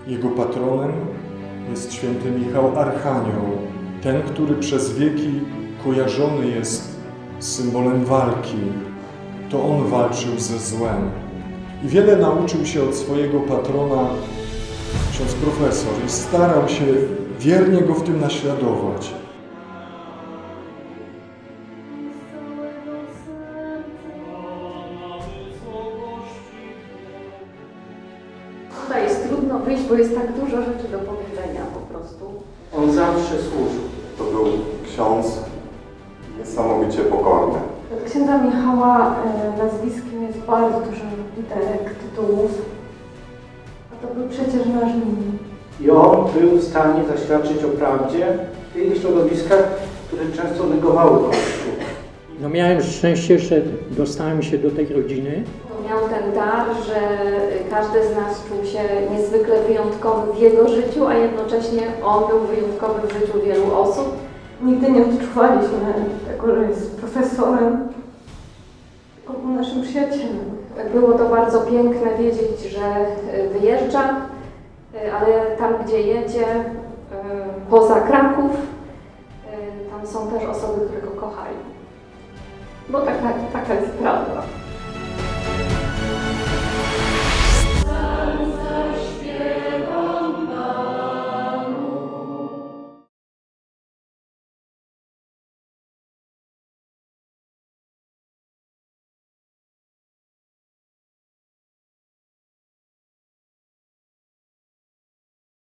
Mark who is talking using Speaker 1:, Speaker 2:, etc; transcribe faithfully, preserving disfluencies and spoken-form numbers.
Speaker 1: Jego patronem jest święty Michał Archanioł, ten, który przez wieki kojarzony jest z symbolem walki. To on walczył ze złem. I wiele nauczył się od swojego patrona ksiądz profesor i starał się wiernie go w tym naśladować.
Speaker 2: Tutaj jest trudno wyjść, bo jest tak dużo rzeczy do powiedzenia po prostu.
Speaker 3: On zawsze służył.
Speaker 4: To był ksiądz niesamowicie pokorny.
Speaker 2: Od księdza Michała e, nazwiskiem jest bardzo dużo literek, tytułów. A to był przecież nasz mini.
Speaker 3: I on był w stanie zaświadczyć o prawdzie w tych środowiskach, które często negowały Kościół.
Speaker 5: No miałem szczęście, że dostałem się do tej rodziny.
Speaker 2: To miał ten dar, że każdy z nas czuł się niezwykle wyjątkowy w jego życiu, a jednocześnie on był wyjątkowy w życiu wielu osób. Nigdy nie odczuwaliśmy tego, że jest profesorem, tylko był naszym przyjacielem. Było to bardzo piękne wiedzieć, że wyjeżdża, ale tam, gdzie jedzie, poza Kraków, tam są też osoby, które go kochają. Bo taka, taka jest prawda.